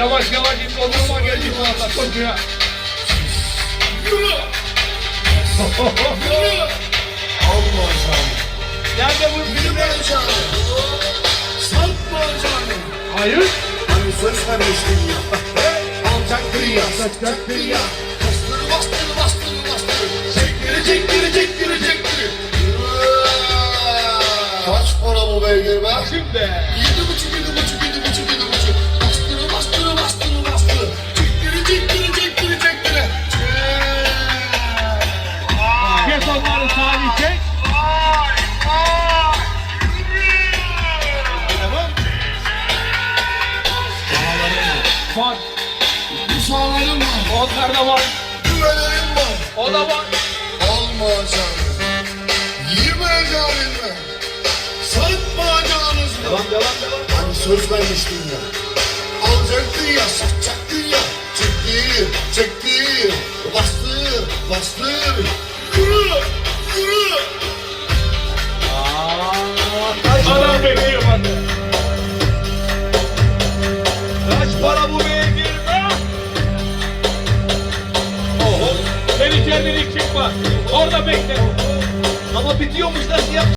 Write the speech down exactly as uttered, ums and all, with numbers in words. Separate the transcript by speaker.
Speaker 1: Yavaş yavaş git, odurma geldi bu anda koşuya. Yürü! Yürü!
Speaker 2: Alma canım.
Speaker 1: Nerede bu filmler?
Speaker 2: Yürü canım. Satma canım.
Speaker 1: Hayır.
Speaker 2: Hani söz vermiştin ya. Alacaktın ya, satacaktın ya. Bastır, bastır, bastır, bastır. Çektir, çektir, çektir, çektir. Kaç para bu beygir be?
Speaker 1: Şimdi.
Speaker 2: Yedi buçuk, yedi buçuk, yedi buçuk, yedi buçuk. Bastır, bastır, bastır, bastır. Çektir, çektir, çektir, çektir.
Speaker 1: Kes onları Salih, çek. Tamam. Var.
Speaker 2: Bu sağlarım var.
Speaker 1: Onlar da var.
Speaker 2: Güvelerim var.
Speaker 1: O da var.
Speaker 2: Alma canım. Yeme canım. Satma canım.
Speaker 1: Devam devam devam.
Speaker 2: Hani söz vermiştin ya. Alacaktın ya, satacaktın ya. Çektir, çektir. Bastır, bastır. Yürü, yürü.
Speaker 1: Adam bekliyor bende. Kaç para bu beygir be? Oho. Sen içeriden çıkma. Orada bekle. Ama bitiyormuş, nasıl yap?